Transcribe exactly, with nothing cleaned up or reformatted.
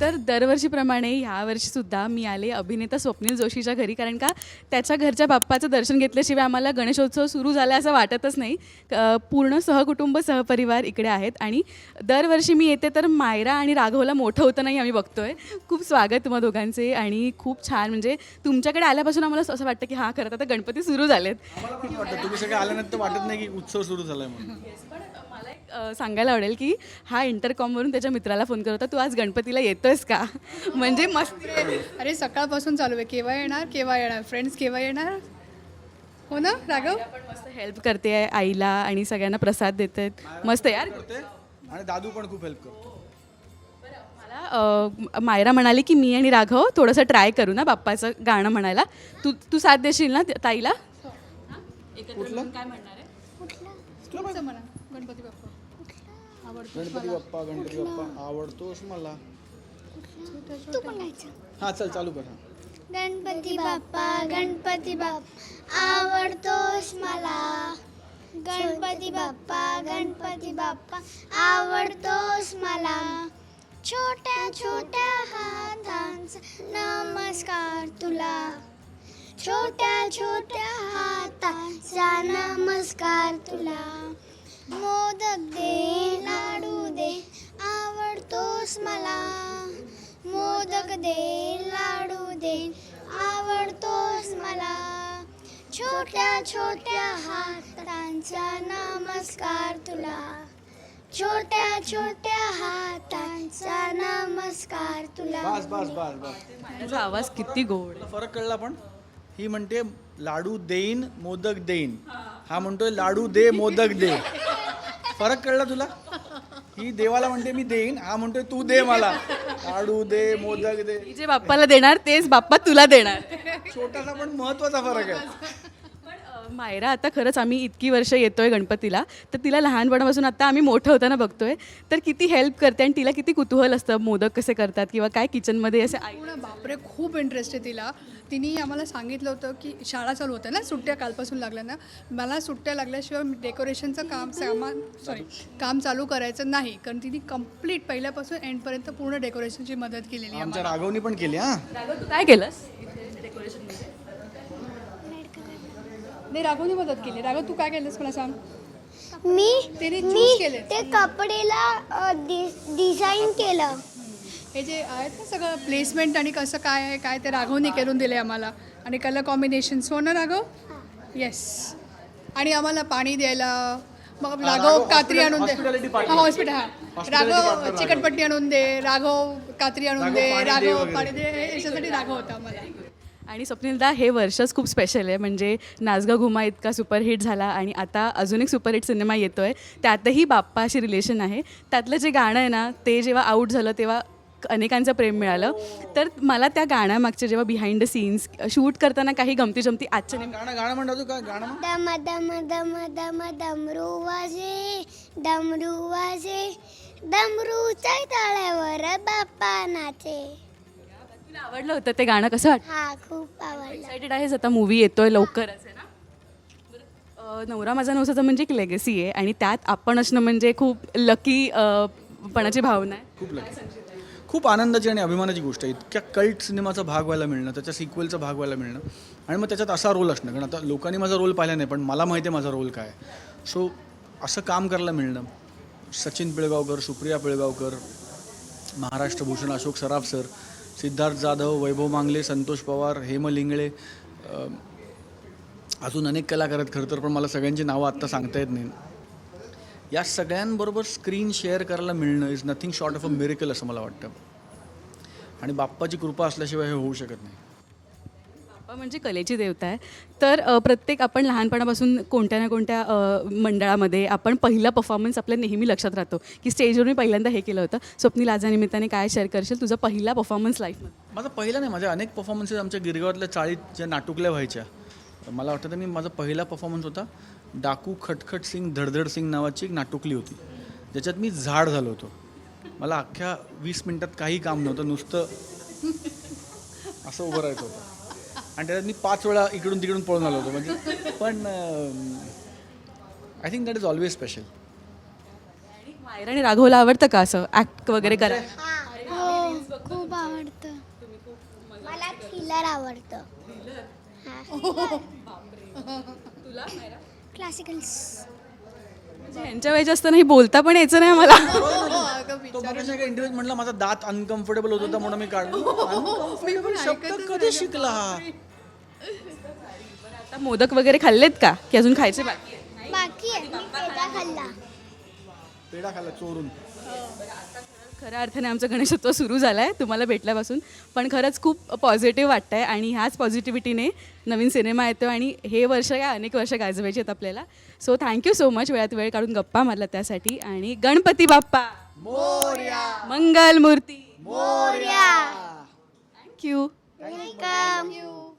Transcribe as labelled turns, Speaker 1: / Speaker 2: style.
Speaker 1: तर दरवर्षीप्रमाणे ह्यावर्षीसुद्धा मी आले अभिनेता स्वप्नील जोशीच्या घरी, कारण का त्याच्या घरच्या बाप्पाचं दर्शन घेतल्याशिवाय आम्हाला गणेशोत्सव सुरू झाला असं वाटतच नाही. अ, पूर्ण सहकुटुंब सहपरिवार इकडे आहेत आणि दरवर्षी मी येते तर मायरा आणि राघवला मोठं होतं नाही आम्ही बघतोय. खूप स्वागत तुम्हा दोघांचे आणि खूप छान, म्हणजे तुमच्याकडे आल्यापासून आम्हाला असं वाटतं की हां खरं तर आता गणपती सुरू झालेत.
Speaker 2: आम्हाला पण वाटतं तुम्ही सगळे आल्यानंतर वाटत नाही की उत्सव सुरू झालाय म्हणून.
Speaker 1: मला एक अ, सांगायला आवडेल की हा इंटरकॉमवरून त्याच्या मित्राला फोन करत होता, तू आज गणपतीला येतोयस का? म्हणजे मस्त.
Speaker 3: अरे सकाळपासून चालू आहे, केव्हा येणार केव्हा येणार फ्रेंड्स केव्हा येणार. हो ना राघव.
Speaker 1: पण मस्त हेल्प करते आहे आईला आणि सगळ्यांना प्रसाद देत आहेत. मस्त यार.
Speaker 2: करते आणि दादू पण खूप हेल्प करतो.
Speaker 1: मला अ, मायरा म्हणाली की मी आणि राघव थोडंसं ट्राय करू ना बाप्पाचं गाणं म्हणायला. तू तू साथ देशील ना ताईला?
Speaker 2: कुठलं?
Speaker 1: काय म्हणणार आहे?
Speaker 3: तुमचं म्हणा. गणपती बाप्पा
Speaker 2: गणपती बाप्पा गणपती बाप्पा आवडतोस मला.
Speaker 4: तू म्हणायचं.
Speaker 2: हा चल चालू कर.
Speaker 4: गणपती बाप्पा गणपती बाप्पा आवडतोस मला. गणपती बाप्पा गणपती बाप्पा आवडतोस मला. छोट्या छोट्या हातांचा नमस्कार तुला. छोट्या छोट्या हातांचा नमस्कार तुला. मोदक दे लाडू दे आवडतोस मला. मोदक दे लाडू दे आवडतोस मला. छोट्या छोट्या हातांचा नमस्कार तुला. छोट्या छोट्या हातांचा नमस्कार तुला.
Speaker 2: बस बस बस बस.
Speaker 1: माझा आवाज किती गोड.
Speaker 2: तुला फरक कळला पण. ही म्हणते लाडू देईन मोदक देईन, हा म्हणतोय लाडू दे मोदक दे. फरक कळला तुला. ही देवाला म्हणते मी देईन, हा म्हणतोय तू दे मला. लाडू दे मोदक दे.
Speaker 1: मी जे बाप्पाला देणार तेच बाप्पा तुला देणार.
Speaker 2: छोटासा पण महत्वाचा फरक आहे.
Speaker 1: पण अ, मायरा आता खरंच आम्ही इतकी वर्ष येतोय गणपतीला, तर तिला लहानपणापासून आता आम्ही मोठं होताना बघतोय, तर किती हेल्प करते आणि तिला किती कुतूहल असतं मोदक कसे करतात किंवा काय किचनमध्ये असे आई.
Speaker 3: पूर्ण बापरे खूप इंटरेस्ट आहे तिला. तिने आम्हाला सांगितलं होतं की शाळा चालू होत्या ना, सुट्ट्या कालपासून लागल्या ना, मला सुट्ट्या लागल्याशिवाय डेकोरेशनचं काम सामान सॉरी काम चालू करायचं नाही, कारण तिने कम्प्लीट पहिल्यापासून एंडपर्यंत पूर्ण डेकोरेशनची मदत केलेली आहे.
Speaker 2: आमच्या राघवनी पण केली. हा
Speaker 1: राघव, तू काय केलंस डेकोरेशनमध्ये?
Speaker 3: नाही राघवने मदत केली. राघव तू काय केलंस मला सांग.
Speaker 4: मी
Speaker 3: तिने
Speaker 4: मी
Speaker 3: चूज केले.
Speaker 4: ते कपडेला डिझाईन केलं.
Speaker 3: हे जे आहेत ना सगळं प्लेसमेंट आणि कसं काय आहे काय ते राघवने करून दिले आम्हाला, आणि कलर कॉम्बिनेशन्स. हो ना राघव. येस. आणि आम्हाला पाणी द्यायला मग राघव कात्री आणून दे.
Speaker 2: hospitality partner.
Speaker 3: हा हॉस्पिटल. हा
Speaker 2: Hospitality
Speaker 3: राघव
Speaker 2: partner
Speaker 3: चिकटपट्टी आणून दे, राघव कात्री आणून
Speaker 2: राघव
Speaker 3: दे,
Speaker 2: पाणी दे
Speaker 3: राघव
Speaker 2: वगैरे.
Speaker 3: पाणी दे, हे याच्यासाठी राघव होता आम्हाला.
Speaker 1: आणि स्वप्नीलदा हे वर्षच खूप स्पेशल आहे, म्हणजे नाचगा घुमा इतका सुपरहिट झाला आणि आता अजून एक सुपरहिट सिनेमा येतो आहे, त्यातही बाप्पाशी रिलेशन आहे. त्यातलं जे गाणं आहे ना, ते जेव्हा आऊट झालं तेव्हा अनेकांचं प्रेम मिळालं. तर मला त्या गाण्यामागचे जेव्हा बिहाइंड द सीन्स शूट करताना काही गमती जमती आजच्या नेम
Speaker 2: गाणं गाणं म्हणतो काय गाणं म्हण.
Speaker 4: दम दम दम दम डमरू वाजे डमरू वाजे डमरूच्या तळ्यावर बाप्पा नाचे.
Speaker 1: तुला आवडलं होतं ते गाणं? कसं वाटतं?
Speaker 4: हा खूप आवडला.
Speaker 1: एक्सायटेड आहेस? आता मूवी येतोय लवकरच आहे ना. बरं, अ, नवरा माझा नवसाचं म्हणजे एक लेगसी आहे आणि त्यात आपण असणं म्हणजे खूप लकी पणाची भावना आहे.
Speaker 2: खूप लकी, खूप आनंदाची आणि अभिमानाची गोष्ट आहे. इतक्या कल्ट सिनेमाचा भाग व्हायला मिळणं, त्याच्या सिक्वेलचा भाग व्हायला मिळणं आणि मग त्याच्यात असा रोल असणं. कारण आता लोकांनी माझा रोल पाहिला नाही, पण मला माहिती आहे माझा रोल काय. सो असं काम करायला मिळणं. सचिन पिळगावकर, सुप्रिया पिळगावकर, महाराष्ट्र भूषण अशोक सराफ सर, सिद्धार्थ जाधव, वैभव मांगले, संतोष पवार, हेम लिंगळे, अजून अनेक कलाकार आहेत खरं तर, पण मला सगळ्यांची नावं आत्ता सांगता येत नाही. या सगळ्यांबरोबर स्क्रीन शेअर करायला मिळणं is nothing short of a miracle असं मला वाटतं. आणि बाप्पाची कृपा असल्याशिवाय हे होऊ शकत नाही.
Speaker 1: बाप्पा म्हणजे कलेची देवता आहे. तर अ, प्रत्येक आपण लहानपणापासून कोणत्या ना कोणत्या अ, मंडळामध्ये आपण पहिला परफॉर्मन्स आपल्या नेहमी लक्षात राहतो की स्टेजवर मी पहिल्यांदा हे केलं होतं. स्वप्नील आज या निमित्ताने काय शेअर करशील तुझा पहिला परफॉर्मन्स लाईफमध्ये?
Speaker 2: माझा पहिला नाही, माझ्या अनेक परफॉर्मन्सेस आमच्या गिरगावातल्या चाळीत ज्या नाटुकल्या व्हायच्या. मला वाटतं मी माझा पहिला परफॉर्मन्स होता डाकू खटखट सिंग धडधड सिंग नावाची एक नाटुकली होती, ज्याच्यात मी झाड झालो होतो. मला अख्ख्या वीस मिनटात काही काम नव्हतं, नुसतं असं उभं राहायचं होतं आणि त्याच्यात मी पाच वेळा इकडून तिकडून पळून आलो होतो. म्हणजे पण I think that is always special.
Speaker 1: Myra आणि राघवला आवडतं का असं ॲक्ट वगैरे करायला?
Speaker 4: हो खूप आवडतं मला थ्रिलर आवडतं क्लासिकल्स
Speaker 1: म्हणजे ह्यांच्या वयाच्या असताना ही बोलता पण यायचं नाही मला.
Speaker 2: तो मगाशी एका इंटरव्ह्यूत म्हटला माझा दात अनकम्फर्टेबल होत होता म्हणून मी काढलो. Uncomfortable शब्द कधी शिकला हा?
Speaker 1: आता मोदक वगैरे खाल्लेत का की अजून खायचे बाकी आहे?
Speaker 4: बाकी आहे मी पेढा खाल्ला
Speaker 2: पेढा खाल्ला चोरून.
Speaker 1: खऱ्या अर्थाने आमचा गणेशोत्सव सुरू झाला आहे तुम्हाला भेटल्यापासून. पण खरंच खूप पॉझिटिव्ह वाटतं आहे आणि ह्याच पॉझिटिव्हिटीने नवीन सिनेमा येतो आणि हे वर्ष काय अनेक वर्ष गाजवायची आहेत आपल्याला. सो थँक्यू सो मच वेळात वेळ काढून गप्पा मारला त्यासाठी. आणि गणपती बाप्पा मंगल मूर्ती
Speaker 4: मोरया
Speaker 1: थँक्यू.
Speaker 4: वेलकम